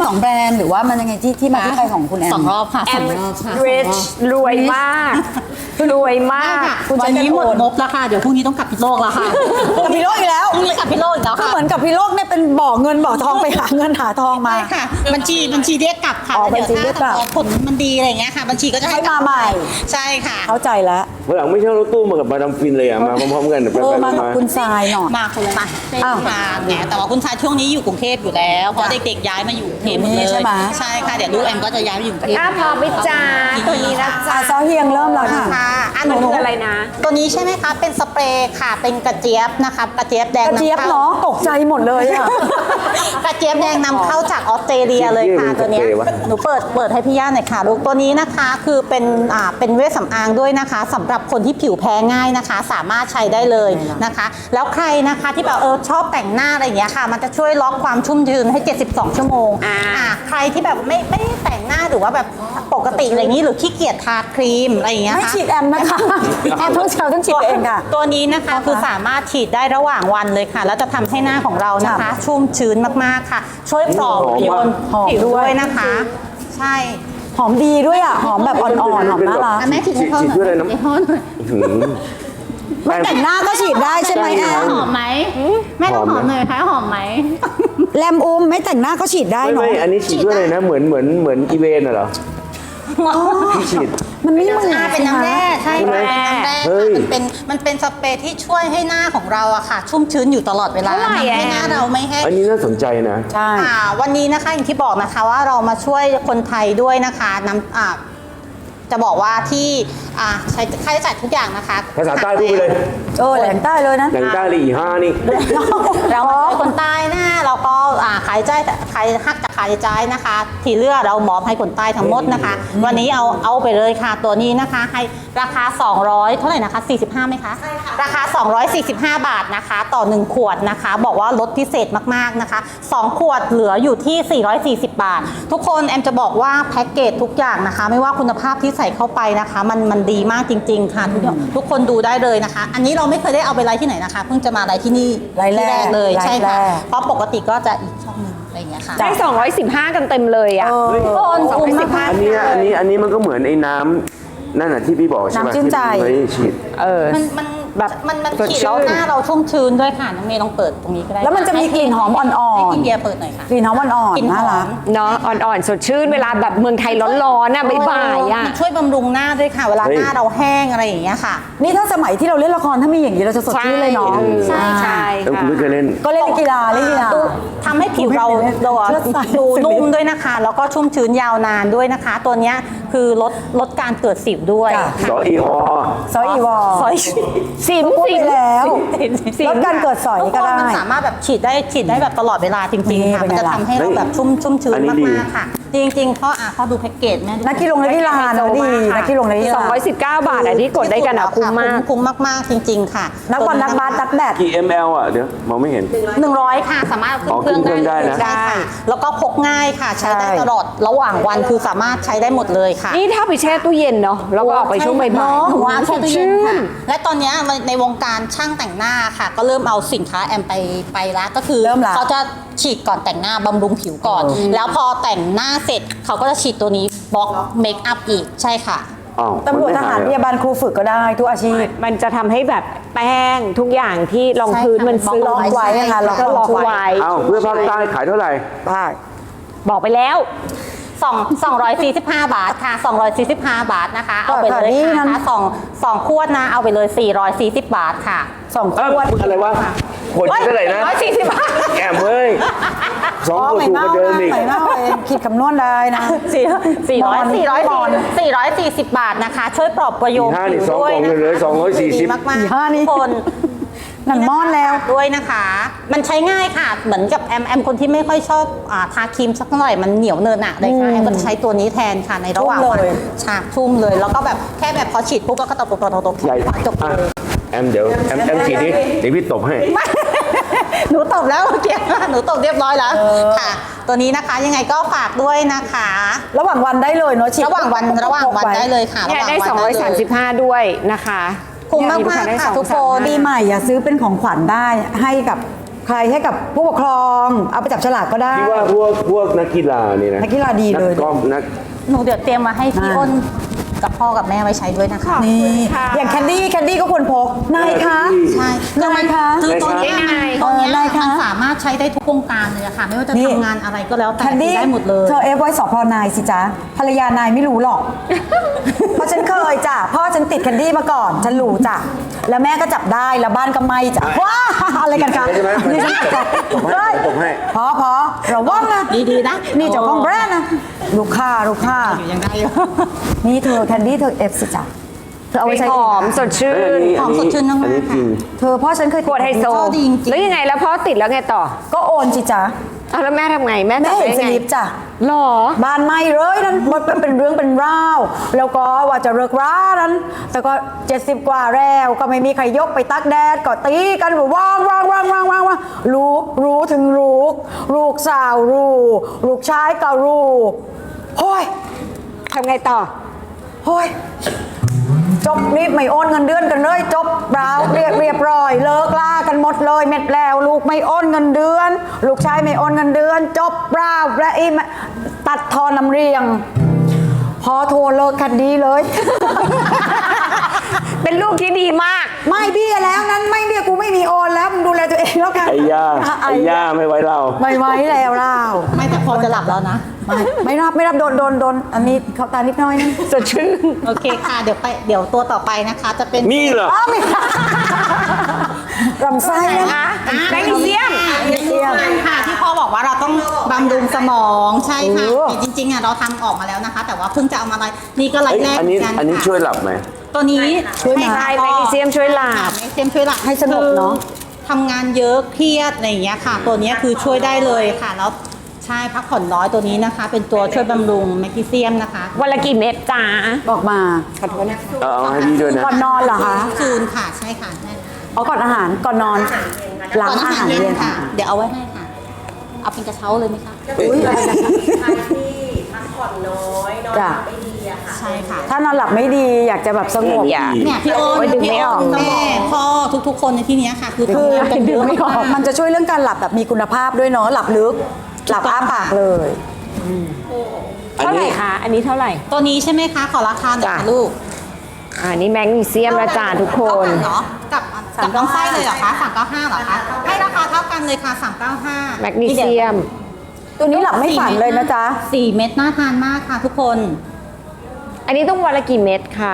2 แบรนด์หรือว่ามันยังไงที่มาที่ไปของคุณแอม 2 รอบค่ะแอม 2 รอบค่ะ rich รวยมากรวยมากวันนี้หมดงบแล้วค่ะ เดี๋ยวพรุ่งนี้ต้องกลับพิษโลกแล้วค่ะกับพี่โลกอีกแล้วพรุ่งนี้กลับพิษโลกอีกแล้วก็ค่ะเหมือนกับพี่โลกเนี่ยเป็นบ่อเงินบ่อทองไปหาเงินหาทองมาใช่ค่ะ บัญชีเรียกกลับค่ะอ๋อแล้วบัญชีเรียกกลับถ้าผลมันดีอะไรอย่างเงี้ยค่ะ บัญชีก็จะให้มาใหม่ใช่ค่ะเข้าใจแล้ววันหลังไม่ใช่รถตู้มากับมาดามฟินเลยอ่ะ มาพร้อมๆกันไปมากับคุณทรายหน่อยมาคนละอ้าวค่ะเนี่ยแต่ว่าคุณชายช่วงนี้อยู่กรุงเทพอยู่แล้ว เพราะเด็กๆย้ายมาอยู่กรุงเทพหมดเลยใช่ไหมใช่ค่ะ เดี๋ยวลูกแอมก็จะย้ายมาอยู่กรุงเทพพอไปจ้าตัวนี้นะจ๊ะซอเฮียงเริ่มแล้วค่ะค่ะอันมันหนูคืออะไรนะตัวนี้ใช่ไหมคะ เป็นสเปรย์ค่ะ เป็นกระเจี๊ยบนะคะ กระเจี๊ยบแดงกระเจี๊ยบนำข้าเนาะตกใจหมดเลยอ่ะกระเจี๊ยบแดงนำเข้าจากออสเตรเลียเลยค่ะตัวเนี้ยหนูเปิดให้พี่ย่าหน่อยค่ะลูกตัวนี้นะคะคือเป็นเวชสำอางด้วยนะคะสำหรับคนที่ผิวแพ้ง่ายนะคะ สามารถใช้ได้เลยนะคะ แล้วใครนะคะที่แบบชอบแต่งหน้าอะไรอย่างเงี้ยค่ะ มันจะช่วยล็อกความชุ่มชื้นให้ 72 ชั่วโมงใครที่แบบไม่ได้แต่งหน้าหรือว่าแบบปกติอะไรอย่างนี้หรือขี้เกียจทาครีมอะไรอย่างเงี้ยไม่ค่ะฉีดแอมนะคะ แอมต้องฉีดเองค่ะตัวนี้นะคะคือสามารถฉีดได้ระหว่างวันเลยค่ะ แล้วจะทำให้หน้าของเรานะคะ ชุ่มชื้นมากๆค่ะ ช่วยปลอบประโยนหอมผิวด้ด้ววย ยนะคะ ใช่หอมดีด้วยอ่ะ หอมแบบอ่อนๆ หอมน่ารักแม่ฉีดให้เขาหฉีดน่ด้วยอะไรอยน้ำให้เขาหน่อยหืมไม่แต่งหน้าก็ฉีดได้ใช่ไหมแอมหอมไหมแม่ต้องหอมหน่อยค่ะหอมไหมแลมอุ้มไม่แต่งหน้าก็ฉีดได้ไม่เนาะไม่อันนี้ฉีดด้วยอะไรนะ เหมือนอีเวนน่ะเหรอที่ฉีดมันไม่เหมือนเป็นน้ำแร่ใช่ใช่ไหมเป็นน้ำแร่เฮ้ค่ะยมันเป็นสเปรย์ที่ช่วยให้หน้าของเราอะค่ะ ชุ่มชื้นอยู่ตลอดเวลาเท่าไหร่ทำให้หน้าเราไม่แห้งอันนี้น่าสนใจนะใช่วันนี้นะคะอย่างที่บอกนะคะว่าเรามาช่วยคนไทยด้วยนะคะจะบอกว่าที่ใช้ค่าใช้จ่ายทุกอย่างนะคะภาษาใต้พูดไปเลยแหลงใต้เลยนะแหล่งใต้เลยอีห้านี่เรามาช่วยคนใต้นะเราก็ขายใจขายหักจากขายใจนะคะ ที่เหลือเรามอบให้คนใต้ทั้งหมดนะคะ วันนี้เอาไปเลยค่ะตัวนี้นะคะให้ราคา 200 เท่าไหร่นะคะ 45ไหมคะใช่ค่ะราคา 245 บาทนะคะต่อ 1 ขวดนะคะ บอกว่าลดพิเศษมากๆนะคะ 2 ขวดเหลืออยู่ที่ 440 บาท ทุกคนแอมจะบอกว่าแพ็กเกจทุกอย่างนะคะ ไม่ว่าคุณภาพที่ใส่เข้าไปนะคะ มันดีมากจริง ๆ ค่ะทุกคนดูได้เลยนะคะ อันนี้เราไม่เคยได้เอาไปไลฟ์ที่ไหนนะคะ เพิ่งจะมาไลฟ์ที่นี่ไลฟ์แรกที่เลยไลฟ์ใช่ค่ะแรกเพราะปกติก็จะอีกช่องหนึงอะไรอย่างเงี้ยค่ะได้ 215 กันเต็มเลยอ่ะคนคุ้มมากอันนี้มันก็เหมือนไอ้น้ำนั่นน่ะที่พี่บอกใช่ไหมน้ำชื่นใจที่ไม่ฉีดมันแบบมันสดขีดชื่แล้วนหน้าเราชุ่มชื้นด้วยค่ะน้องเมย์ลองเปิดตรงนี้ก็ได้แล้วมันจะมีกลิ่นหอมอ่อนๆให้พี่เบียร์เปิดหน่อยค่ะกลิ่นหอมอ่อนกลิ่นๆหอมน่ารักเนาะอ่อนๆ สดชื่น เวลาแบบเมืองไทยร้อนๆน่ะบ่ายๆอ่ะมันช่วยบำรุงหน้าด้วยค่ะ เวลาเฮ้ยหน้าเราแห้งอะไรอย่างเงี้ยค่ะนี่ถ้าสมัยที่เราเล่นละครถ้ามีอย่างนี้เราจะสดชื่นเลยเนาะใช่ค่ะแล้วคุณไม่เคยเล่นก็เล่นกีฬาทำให้ผิวเราเลือดใสดูนุ่มด้วยนะคะ แล้วก็ชุ่มชื้นยาวนานด้วยนะคะ ตัวเนี้ยคือลดการเกิดสิวด้วยจ้ะสออีอซอยอีวอสอยสิมพูดไปแล้วสิมลดการเกิดสอยทุกก็คนได้มันสามารถแบบฉีดได้แบบตลอดเวลาจริงๆค่ะนี่มันจะเป็นไงล่ะทำให้เราแบบชุ่มชื้นอันนี้มาดีกๆค่ะ จริงๆเพราะดูแพ็กเกจแม่ดูนักกีฬาเนอะดีนักกีฬา 219 บาทอ่ะที่กดได้กันอ่ะคุ้มมากคุ้มมากๆจริง ๆ ค่ะนักบอลนักบาสนักแบดกี่ ml อ่ะ เดี๋ยวมองไม่เห็น 100 ค่ะสามารถอ๋อขึ้นเครื่องขึ้นเครื่องได้ได้นะใช่ค่ะแล้วก็พกง่ายค่ะ ใช้ได้ใช่ตลอดระหว่างวันคือสามารถใช้ได้หมดเลยค่ะนี่ถ้าไปแช่ตู้เย็นเนาะแล้วก็ออกไปช่วงบ่ายเนาะๆวางสแช่ดตู้เย็นชื่ค่ะนและตอนเนี้ยในวงการช่างแต่งหน้าค่ะ ก็เริ่มเอาสินค้าแอมไปแล้วก็คือเริ่มละเขาจะฉีดก่อนแต่งหน้าบำรุงผิวก่อน แล้วพอแต่งหน้าเสร็จเขาก็จะฉีดตัวนี้บล็อกเมคอัพอีกใช่ค่ะอ้าวตำรวจทหารพยาบาลครูฝึกก็ได้ทุกอาชีพมันจะทำให้แบบแป้งทุกอย่างที่รองพื้นมันซึมล็อกไว้นะคะล็อกก็ล็อกไว้อ้าวเพื่อภาคใต้ขายเท่าไหร่ภาคบอกไปแล้ว 245 บาทค่ะ 245 บาทนะคะ เอาไปเลยนี่ค่ะนั้นสองขวดนะ เอาไปเลย 440 บาทค่ะ 2 ขเอ้าวดอะไรวะขวดเท่าไหร่นะ 140 บาทแอมเว้ยสองขวดถูกกว่าเดิมอีกไม่เน่าเองคิดคำนวณได้นะ 440 บาทนะคะ ช่วยปลอบประโยชน์ห้าผินี่วสองด้วยกล่องนะเลยคะ 240 ดีมากอีห้านี่ๆทุกคนหนังม่อนแล้วด้วยนะคะ มันใช้ง่ายค่ะ เหมือนกับแอมคนที่ไม่ค่อยชอบทาครีมสักหน่อยมันเหนียวเนินอะเลยค่ะแอมก็จะใช้ตัวนี้แทนค่ะในระหว่างวันชุ่มเลยฉากชุ่มเลย แล้วก็แบบแค่แบบพอฉีดปุ๊บแล้วก็ตบๆใหญ่จบอ่ะเลยแอมเดี๋ยวแอมฉีดดิเดี๋ยวพี่ตบให้หนูตบแล้วเมื่อกี้หนูตบเรียบร้อยแล้วค่ะ ตัวนี้นะคะยังไงก็ฝากด้วยนะคะระหว่างวันได้เลยเนาะฉีดระหว่างวันได้เลยค่ะเนี่ยได้ระหว่างวันได้เลย 235 ด้วยนะคะคุ้มมากเนี่ยๆค่ะได้ทุกคนปีใหม่อย่าซื้อเป็นของขวัญได้ให้กับใครให้กับผู้ปกครอง เอาไปจับฉลากก็ได้พี่ว่าพวกนักกีฬานี่นะนักกีฬาดีเลยนักกอล์ฟนักหนูเดี๋ยวเตรียมมาให้พี่อ้นกับพ่อกับแม่ไว้ใช้ด้วยนะคะนี่อย่างแคนดี้ก็ควรพกนายคะใช่นายคะคือตัวเนี้ยนายตัวเนี้ยนายคะมันสามารถใช้ได้ทุกวงการเลยอะค่ะ ไม่ว่าจะนี่ทำงานอะไรก็แล้วแต่แคนดี้ได้หมดเลยเธอเอฟไว้สพนายสิจ๊ะภรรยานายไม่รู้หรอก เพราะฉันเคยจ้ะพ่อฉันติดแคนดี้มาก่อนฉันรู้จ้ะแล้วแม่ก็จับได้แล้วบ้านก็ไหม้จ้ะว้าอะไรกันคะใช่ไหมนี่ฉันจับตบให้ตบให้พอระวังนะดีๆนะนี่เจ้าของแบรนด์นะลูกค้าอยู่ยังได้อยู่นี่เธอแคนดี้เธอเอฟสิจ้ะเธอเอาไว้ใช้หอมสดชื่เอ้ยนหอมสดชื่นมากๆอันนี้จริงเธอพ่อฉันเคยขวดไฮโซชอบดีจริงๆแล้วยังไงแล้วพอติดแล้วไงต่อก็โอนสิจ๊ะเอาแล้วแม่ทำไงแม่แม่จับเห็นได้สไงลิปจ้ะหรอบ้านไหม้เลยนั้นมันเป็นเรื่องเป็นราวแล้วก็ว่าจะเลิกร้านนั้น แต่ก็70 กว่าแล้วก็ไม่มีใครยกไปตักแดดก็ตีกันว่างรู้ถึงลูกสาวลูกชายก็รู้โอ้ยทำไงต่อโอ้ยจบรีบไม่โอนเงินเดือนกันเลยจบเรียบร้อยเลิกลากันหมดเลยเม็ดแล้วลูกไม่โอนเงินเดือน ลูกชายไม่โอนเงินเดือน จบและอีตัดทอนน้ำเรียง พอโทรเลิกกันดีเลยเป็นลูกที่ดีมากไม่เบี้ยแล้วนั้นไม่เบี้ยกูไม่มีโอนแล้วมึงดูแลตัวเองแล้วกันไอ้ย่าไม่ไว้เราไม่ไหวแล้วเราไม่แต่พอจะหลับแล้วนะไม่รับโดนอันนี้เขาตานิดหน้อยนะสดชื่นโอเคค่ะ เดี๋ยวตัวต่อไปนะคะ จะเป็นมีเหรออ้าวไม่ลำไส้นะแมกนีเซียมแมกนีเซียมค่ะที่พ่อบอกว่าเราต้องบำรุงสมองใช่ค่ะโอ้จริงๆอ่ะเราทำออกมาแล้วนะคะ แต่ว่าเพิ่งจะเอามาไลฟ์นี่ก็ไลเอ้ยฟ์แรกอันเหมืนี้อนกันอันนี้ค่ะช่วยหลับไหมตัวนี้ช่วยไหมค่ะแมกนีเซียมช่วยหลับค่ะแมกนีเซียมช่วยหลับให้สงบเนอะคือทำงานเยอะเครียดอะไรอย่างเงี้ยค่ะ ตัวเนี้ยคือช่วยได้เลยค่ะแล้วใช่พักผ่อนน้อยตัวนี้นะคะ เป็นตัวช่วยบำรุงแมกนีเซียมนะคะวันละกี่เม็ดจ้าบอกมาเอาให้พี่ด้วยนะก่อนนอนเหรอคะซูนค่ะใช่ค่ะใช่ค่ะอ๋อก่อนอาหารก่อนนอนหลังก่อนอาหารเย็นค่ะ เดี๋ยวเอาไว้ให้ค่ะ เอาเป็นกระเช้าเลยไหมคะอุ้ยอะไรนะคะใครที่พักผ่อนน้อยนอนหลับไม่ดีอะค่ะใช่ค่ะถ้านอนหลับไม่ดีอยากจะแบบสงบอย่าเนี่ยพี่โอนโอ้ยดึงพี่ไม่โอออกนแม่พ่อทุกๆคนในที่เนี้ยค่ะ คือคือทำงานกันเยอะมากมันจะช่วยเรื่องการหลับแบบมีคุณภาพด้วยเนาะหลับลึกหลับอ้าปากเลยเท่าไหร่คะ อันนี้เท่าไหร่ตัวนี้ใช่ไหมคะ ขอราคาหน่อยจ้ะค่ะลูกอันนี้แมกนีเซียมและจ้าทุกคนเท่ากันเนาะกับน้องไส้เลยเหรอคะ395เหรอคะให้ราคาเท่ากันเลยค่ะ395 แมกนีเซียมตัวนี้หลับไม่ฝันเลยนะจ๊ะ 4 เม็ดน่าทานมากค่ะทุกคนอันนี้ต้องวันละกี่เม็ดคะ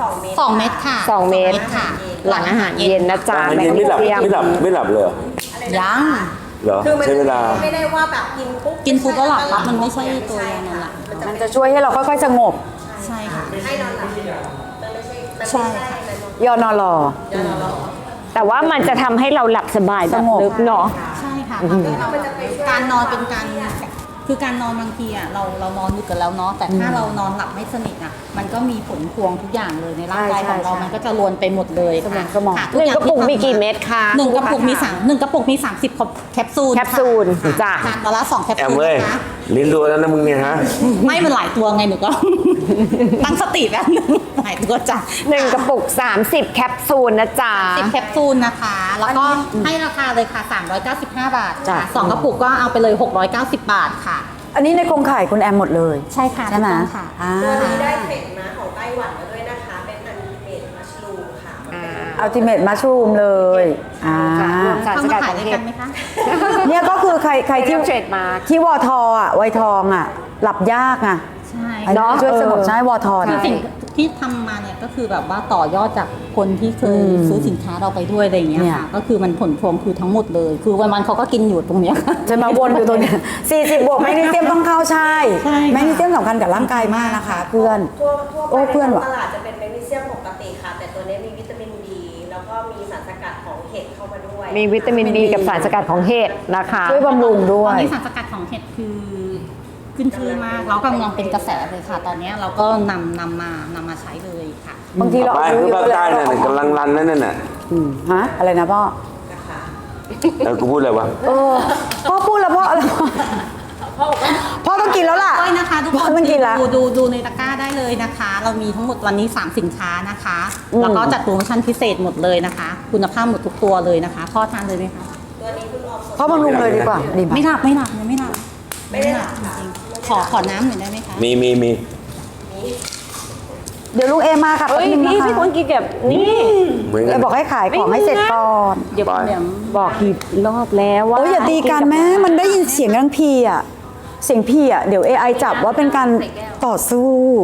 2 เม็ดค่ะ 2 เม็ดค่ะหลังอาหารเย็นนะจ๊ะอาหารแมเย็กนนีไม่หลับเซียมไม่หลับเลยเหรอยังเหรอคือมันใช้เวลาไม่ได้ว่าแบบกินปุ๊บกินปุ๊บก็หลับครับมันไม่ใช่ตัวยานอนหลับมันจะช่วยให้เราค่อยๆสงบใช่ค่ะให้นอนหลับมันไม่ใช่มันใช่ไม่ค่ะใช่มันยอนอรอแต่ว่ามันจะทำให้เราหลับสบายแบบสงบลึกเนาะใช่ค่ะการนอนเป็นการคือการนอนบางทีอ่ะเรานอนดึกกันแล้วเนาะแต่ถ้าเรานอนหลับไม่สนิทอ่ะมันก็มีผลพวงทุกอย่างเลยในร่างกายของเรา มันก็จะรวนไปหมดเลยค่ะสมองค่ะหนึ่งกระปุกมีกี่เม็ดคะหนึ่งกระปุกมี1 กระปุกมี30แคปซูลแคปซูลค่ะจ้ะทานวันละ2 แคปแอมซูลเว้ยนะคะลิ้นรัวแล้วนะมึงเนี่ยฮะไม่มันหลายตัวไงหนูก็ ตั้งสติแป๊บนึงหลายตัวจ้ะหนึ่งกระปุก 30 แคปซูลนะจ๊ะ 10 แคปซูลนะคะ แล้วก็ให้ราคาเลยค่ะ395 บาทจ้ะค่ะ2 กระปุกก็เอาไปเลย690 บาทค่ะอันนี้ในโครงข่ายคุณแอมหมดเลยใช่ค่ะใช่ไหมถูกต้องค่ะอ่าตัวนี้ได้เทรดมาของไต้หวันมาด้วยนะคะ เป็นอันเมดมัชลูมค่ะอัลติเมทมัชรูมเลยอ่าสารสเข้ากัมาดขาขยองด้วยเห็กัดนไหมคะเนี่ยก็คือใครที่เทรดมาร์คที่วอทออ่ะไวทองอ่ะ หลับยากอ่ะใช่อันนี้เนาะช่วยสงบเออใช่วอทอคือนะสิ่งที่ทำมาเนี่ยก็คือแบบว่าต่อยอดจากคนที่เคยซื้อสินค้าเราไปด้วยอะไรอย่างเงี้ยเนี่ยค่ะ ก็คือมันผลพวงคือทั้งหมดเลย คือวันๆเขาก็กินอยู่ตรงเนี้ยค่ะจะมาวนอยู่ตรงเนี้ย40 บวกแมกนีเซียมต้องเข้าใช่ใช่ค่ะแมกนีเซียมสำคัญกับร่างกายมากนะคะ เพื่อนทั่วโอ้ไปเพื่อนในว่ะตลาดจะเป็นแมกนีเซียมปกติค่ะ แต่ตัวนี้มีวิตามินดีแล้วก็มีสารสกัดของเห็ดเข้ามาด้วยมีวิตามินดีกับสารสกัดของเห็ดนะคะช่วยบำรุงด้วตอนยนี้สารสกัดของเห็ดคือขึ้นชื่อมากแล้วกำลังเป็นกระแสเลยค่ะ ตอนนี้เราก็นำมาใช้เลยค่ะบางทีเราไปอายุคือเยภาอะคใต้แล้วน่ะกำลังรันนั่นน่ะฮะอะไรนะพ่อกูพูดอะไรวะพ่อพูดแล้วพ่ออะไรพ่อต้องกินแล้วล่ะด้วยนะคะทุกพ่คอน ต้องกินแล้วดูในตะกร้าได้เลยนะคะ เรามีทั้งหมดวันนี้ 3 สินค้านะคะ แล้วก็จัดโปรโมชั่นพิเศษหมดเลยนะคะ คุณภาพหมดทุกตัวเลยนะคะพ่อทานเลยไหมคะตัวนี้เพิ่งออกเพราะบำรุงเลยดีกว่าดีไหมไม่หลับยังไม่หลับไม่ได้หลับจริงๆขอน้ำหน่อยได้ไหมคะมีเดี๋ยวลุงเอมาค่ะเฮ้ยแป๊บนึงพี่นะคะพี่ควรกินแบบนี่เหมือนเอกันบอกให้ขายของให้เสร็จก่อนเดี๋ยวบอกกี่รอบแล้วว่าโอ้ยอย่าตีกันแม่มันได้ยินเสียงรังพีอ่ะเสียงพีอ่ะเดี๋ยว AI จับว่าเป็นการต่อสู้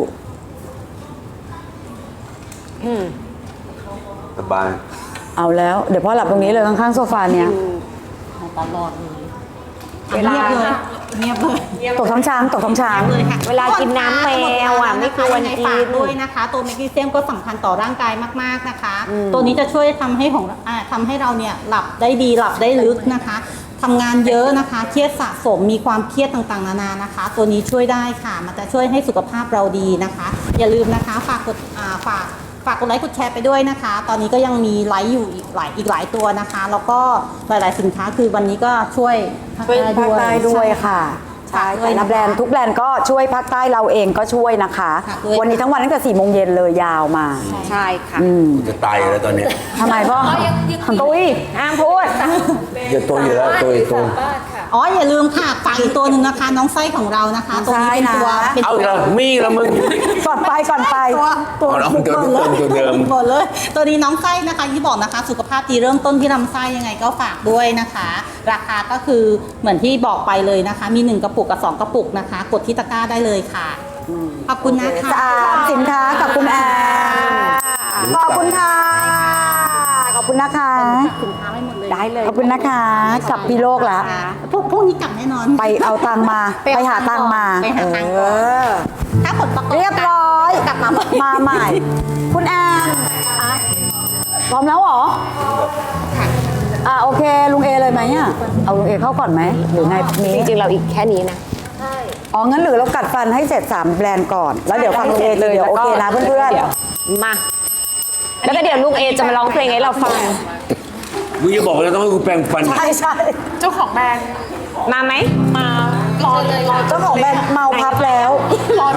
สบายเอาแล้วเดี๋ยวพ่อหลับตรงนี้เลยข้างๆโซฟาเนี้ยตลอดเลยเวลาเงียบเลยตกท้องช้างตกท้องช้างเลยค่ะเวลากินน้ำแมวอ่ะไม่ควรกินฝากด้วยนะคะ ตัวแมกนีเซียมก็สำคัญต่อร่างกายมากๆนะคะ ตัวนี้จะช่วยทำให้ทำให้เราเนี่ยหลับได้ดีหลับได้ลึกนะคะทำงานเยอะนะคะเครียดสะสมมีความเครียดต่างๆนานานะคะ ตัวนี้ช่วยได้ค่ะมันจะช่วยให้สุขภาพเราดีนะคะ อย่าลืมนะคะฝากกดไลค์กดแชร์ไปด้วยนะคะ ตอนนี้ก็ยังมีไลค์อยู่อีกหลายตัวนะคะ แล้วก็หลายๆสินค้าคือวันนี้ก็ช่วยภาคช่วยใต้ภาคใต้ด้วยค่ะใช่ใช่แต่ละแบรนด์ทุกแบรนด์ก็ช่วยภาคใต้เราเองก็ช่วยนะคะค่ะด้วยวันนี้ทั้งวันตั้งแต่4 โมงเย็นเลยยาวมาใช่ค่ะจะตายอยู่แล้วตอนเนี้ยทำไมพ่อตุ้ยห้ามพูดจะตัวอยู่แล้วตัวอีกตัวอ๋ออย่าลืมค่ะฝากอีกตัวหนึ่งนะคะ น้องไส้ของเรานะคะ ตัวนี้เป็นตัวเอาอีกแล้วมีอีกแล้วมึงก่อนไปตัวเอาตัวเดิมหมดเลย ตัวนี้น้องไส้นะคะที่บอกนะคะ สุขภาพดีเริ่มต้นที่ลำไส้ยังไงก็ฝากด้วยนะคะ ราคาก็คือเหมือนที่บอกไปเลยนะคะ มี1กระปุกกับ2กระปุกนะคะ กดที่ตะกร้าได้เลยค่ะขอบคุณนะคะสะอาดสินค้ากับคุณแอนขอบคุณค่ะ ขอบคุณนะคะสินค้าไม่หมดเลยได้เลยขอบคุณนะคะกลับพี่โลกแล้วพวกนี้กลับแน่นอนไปเอาตังค์มา ไปหาตังค์มาไปหาตังค์ก่อน ถ้าผลประกอบเรียบร้อยกลับมาใหม่มาใหม่ คุณแอนพร้อมแล้วเหรอโอเค ลุงเอเลยไหมอ่ะเอาลุงเอเข้าก่อนไหมหรือไงมีจริงๆเราอีกแค่นี้นะอ๋องั้นหรือเรากัดฟันให้เสร็จ3แบรนด์ก่อน แล้วเดี๋ยวฟังลุงเอเลยโอเคนะเพื่อนมา แล้วก็เดี๋ยวลูกเอจะมาร้องเพลงให้เราฟังมึงจะบอกว่าต้องให้กูแปรงฟันๆใช่ใช่มาไหมเจ้าของแบรนด์เมาพับแล้วใคร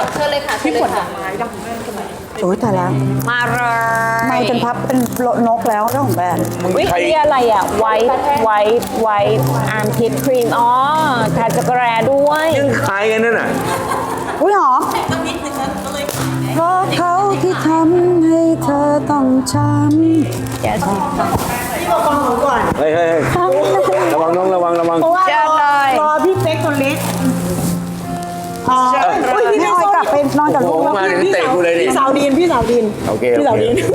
โอ้ยตายแล้วมาเลยเมาจนพับเป็นนกแล้วเจ้าของแบรนด์วินี่อะไรอ่ะ ไวท์อาร์มพิทครีม อ๋อทาจักรแร้ด้วยยังขายกันนั่นน่ะอุ้ยหอมเพราะเขาที่ทำให้เธอต้องช้ำเฮ้ยระวังน้องระวังเจอเลยรอพี่เป๊กคนเล็กพี่ออยกลับไปนอนกับโอ้ลูกโหแล้วมาถึงเตะกูเลยดิพี่สาวดินโอเคพี่สาวดิน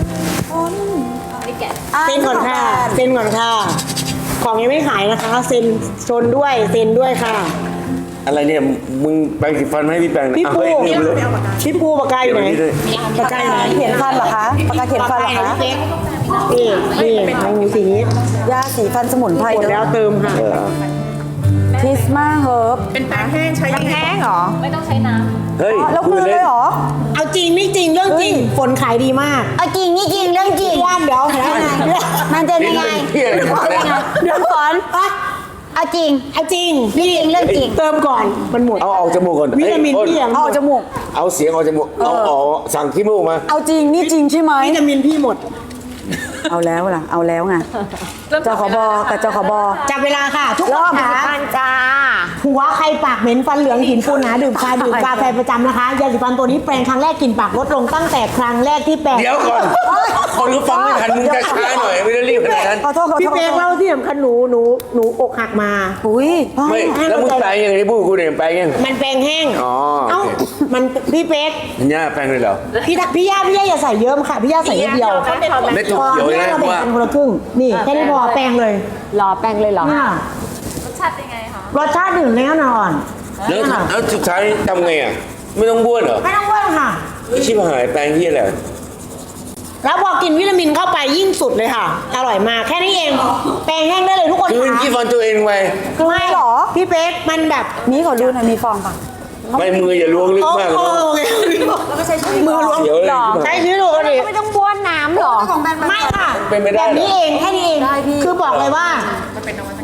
อ่ะเซ็นก่อนค่ะ เซ็นก่อนค่ะ ของยังไม่ขายนะคะ เซ็นชนด้วย เซ็นด้วยค่ะอะไรเนี่ยมึงแปรงสีฟันให้พี่แปรงพี่อ่ะปูเฮ้ยลืมเลยพี่ปูปากกาอยู่ไหนเดี๋ยวนี้ด้วยปากกาอยู่ไหนเขียนฟันเหรอคะปากกาเขียนฟันเหรอคะนี่ของหนูสีนี้ยาสีฟันสมุนไพรหมดแล้วเติมค่ะทิสมาเฮิร์บแห้งเหรอเฮ้ยแล้วคืนเลยเหรอเอาจริงไม่จริงเรื่องจริง ฝนขายดีมากเอาจริงนี่จริงเรื่องจริงว่านเดี๋ยวแล้วไงมันจะนี่ยังไงเป็นเพี้ยอะไรเนี่ยเดี๋ยวก่อนเอาจริงเอาจริงนี่จริงเรื่องจริงเติมก่อนมันหมดเอาออกจมูกก่อนวิตามินเอ้ยพี่ยังหเอามดจมูกเอาเสียงออกจมูกเอาออกสั่งขี้มูกมาเอาจริงนี่จริงใช่ไหมวิตามินพี่หมดเอาแล้วล่ะเอาแล้วไงจขบกับจขบจับเวลาค่ะ ทุกรคอบนค่ะฟันจ้าผัวใครปากเหม็นฟันเหลืองหินปูนหนาดื่มชาดื่มกาแฟประจำนะคะยาสีฟันตัวนี้แปรงครั้งแรกกลิ่นปากลดลงตั้งแต่ครั้งแรกที่แปรงเดี๋ยวก่อน คนรู้ฟังไม่ทันมึงจะช้าหน่อยไม่ได้รีบขนาดนั้นขอโทษขอโทษพี่เป๊กเล่าที่สำคัญหนูอกหักมาอุ้ยพ่อไม่แล้วมึงแปลงยังไงที่พูดกูเนี่ยแปลงยังมันแปรงแห้งอ๋อเอ้าโอเคมันพี่เป๊กมันย่าแปลงเลยเหรอพี่ย่าอย่าใส่เยอะค่ะพี่ย่าใส่นิดเดียวเม็ดถั่วพอเขียวพี่เลยย่านะเราแบ่งว่ากันคนละครึ่งนี่แค่นี้พอแปรงเลยรอแป้งเลยเหรอเนี่ยรสชาติเป็นไงคะรสชาติดื่มแน่นอนแล้วสุดท้ายทำไงอ่ะ ไม่ต้องบ้วนเหรอไม่ต้องว่างค่ะชิบหายแปลงที่อะไรแล้วพอกินวิตามินเข้าไปยิ่งสุดเลยค่ะ อร่อยมากแค่นี้เองแปรงแห้งได้เลยทุกคนคืนค่ะขี้ฟันตัวเองไปไม่หรอพี่เป๊กมันแบบมีขอดูหน่อยมีฟองป่ะไม่มืออย่าล้วงลึกโอ้มากโหมือล้วงเสียวเลยใช้ชีวิตปกติไม่ต้องบ้วนน้ำเหรอไม่ค่ะเป็นไม่ได้แบบเหรนี้อเองแค่นี้เองคือบอกเลยว่า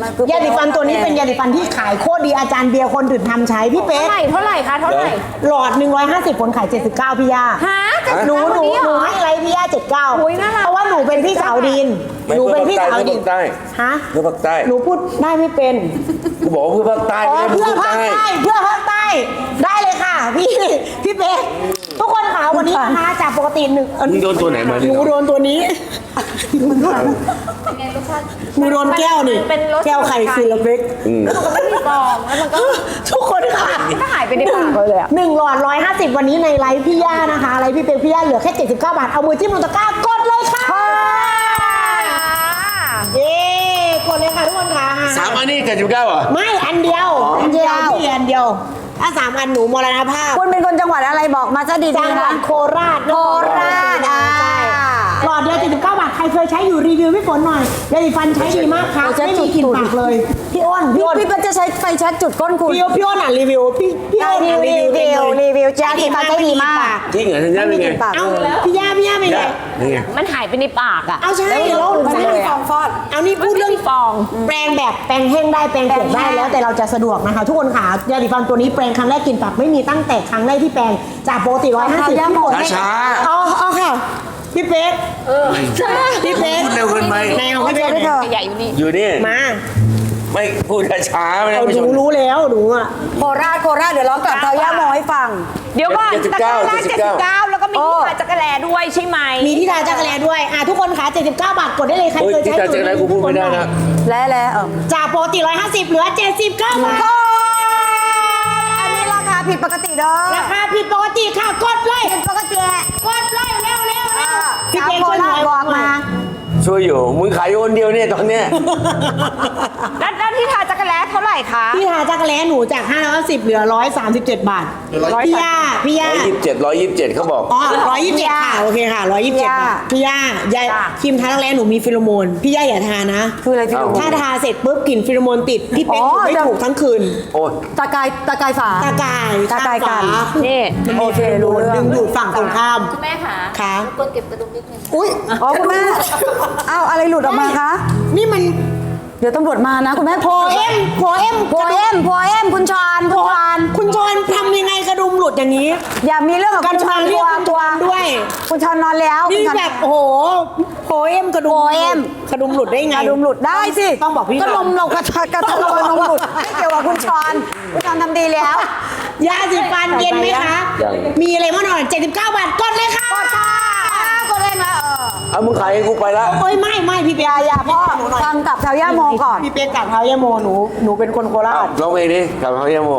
ยาสีฟันตัวนี้เป็นยาสีฟันที่ขายโคตรดีอาจารย์เบียร์คนอื่นทำใช้พี่เป๊กเท่าไหร่คะเท่าไหร่หลอด 150 ผลขาย 79 พี่ย่าฮะหนูให้ไลฟ์พี่ย่าอุ๊ยน่ารัก 79 เพราะว่าหนูเป็นพี่สาวดิน หนูเป็นพี่สาวดินใต้ฮะเพื่อภาคใต้หนูพูดได้ไม่เป็นกูบอกว่าเพื่อภาคใต้อ๋อไม่เพื่อใช่ภาคใต้ใต้เพื่อภาคใต้ได้เลยค่ะ พี่เป๊กทุกคนค่ะวันนี้นะคะจากปกติหนึ่งมึงโดนตัวไหนมาหเนี่ยนูโดนตัวนี้หนูโดนแก้วนี่เป็นรสแก้วไข่คือละเป๊กมันไม่มีฟองแล้วมันก็ทุกคนค่ะก็หายไปในปากเลยอะ 1 หลอด 150 วันนี้ในไลฟ์พี่ย่านะคะไลฟ์พี่เป๊กพี่ย่าเหลือแค่ 79 บาท เอามือจิ้มลงตะกร้ากดเลยค่ะเย้กดเลยค่ะทุกคนค่ะ 3 อันนี้79เหรอไม่อันเดียวอันเดียวพี่อันเดียวถ้า3 อันหนูมรณภาพคุณเป็นคนจังหวัดอะไรบอกมาซะจัดีงๆหวันะดโคราชโคราชอ่าใช่หลอดเดียว79 บาทใครเคยใช้อยู่รีวิวพี่ฝนหน่อยยาสีฟันใช้ดีมากค่ะไม่มีกลิ่นปากเลยพี่อ้นพี่ปันจะใช้ไฟแช็กจุดก้นคุณพี่อ้นอ่ะรีวิวพี่อ้นอ่ะรีวิวเองเลยรีวิวจ้าที่มันใช้ดีมากจริงเหรอทันยาเป็นไงปากเอาพี่ย่าเป็นไงนี่ไงมันหายไปในปากอะเอาใช่แล้วมันไม่มีฟองฟอดเอานี่พูดเรื่องฟองแปรงแบบแปรงแห้งได้แปรงเปียกได้แล้วแต่เราจะสะดวกนะคะ ทุกคนค่ะยาสีฟันตัวนี้แปรงครั้งแรกกลิ่นปากไม่มีตั้งแต่ครั้งแรกที่แปรงจากปกติ150 ย่าหมดช้าเอาค่ะพี่เป๊กพี่เป๊กพูดเร็วเกินไปไหนเอาพี่เป๊กไม่เถอะใหญ่อยู่นี่อยู่นี่มาไม่พูดช้าๆไม่ได้เอาไม่หชนูนรู้แล้วหนูอ่ะโคราชเดี๋ยวร้องกลับเทาย่าโมให้ฟังเดี๋ยวก่อน 79 ตะกร้าแรก79 แล้วก็มีที่มาจักรแลด้วยใช่ไหมมีที่ทาจักรแลด้วยทุกคนค่ะ79 บาทกดได้เลยใครเฮ้ยเคยที่ใช้ตาเจ๊อะไรกูพูดไม่ได้นะแล้วจากปกติ150เหลือ79 บาทอันนี้ราคาผิดปกติเด้อราคาผิดปกติค่ะกดเลยผิดปกติกดเลยเร็วพี่สาวเป๊กโคช่วยหราน่ชอยบอกมาช่วยอยู่มึงขายอยู่คนเดียวเนี่ยตอนเนี้ยแล้วที่ทาจักรแลเท่าไหร่คะที่ทาจักรแลหนูจาก510เหลือ137 บาทพี่ย่า 127เขาบอกอ๋อ127ค่ะโอเคค่ะ127บาทพี่ย่ายาครีมทาจักรแลหนูมีฟิโลโมนพี่ย่าอย่าทานะคืออะไรพี่ดูถ้าทาเสร็จปุ๊บกลิ่นฟิโลโมนติดพี่เป๊กอ๋อไม่ถูกทั้งคืนโอ้ยตากายฝาตากายตากายกันนี่โอเครู้เรื่องดึงดูดฝั่งตรงข้ามคุณแม่ค่ะค่ะกดเก็บกระดุมนิดนึงอุ้ยอ๋อคุณแม่อ้าวอะไรหลุดออกมาคะนี่มันเดี๋ยวตำรวจมานะคุณแม่โพเอ็มโพเอ็มคุณชอนคุณชอนคุณชอนทำยังไงกระดุมหลุดอย่างนี้อย่ามีเรื่องกับกคุระณดุชมอนเรียกคุณชตัวอนด้วยคุณชอนนอนแล้วนี่คุณชอนแบบโอ้โหโพเอ็มกระดุมโพเอ็มกระดุมหลุดได้ไงกระดุมหลุดได้สิต้องบอกพี่ก็นมเรากระทะนมหลุดไม่เกี่ยวกับคุณชอนคุณชอนทำดีแล้วยาสีฟันเย็นไหมคะ มีอะไรบ้างหน่อย79 บาทกดเลยค่ะก็เล่นมาเอามึงขายให้กูไปละโอ้ยไม่พี่เป๊กอย่าพ่อฟังกับแถวย่าโมก่อนพี่เป๊กกับเท้ายาโมหนูเป็นคนโคราชร้องเพลงดิกลับเขาเยี่ยมโม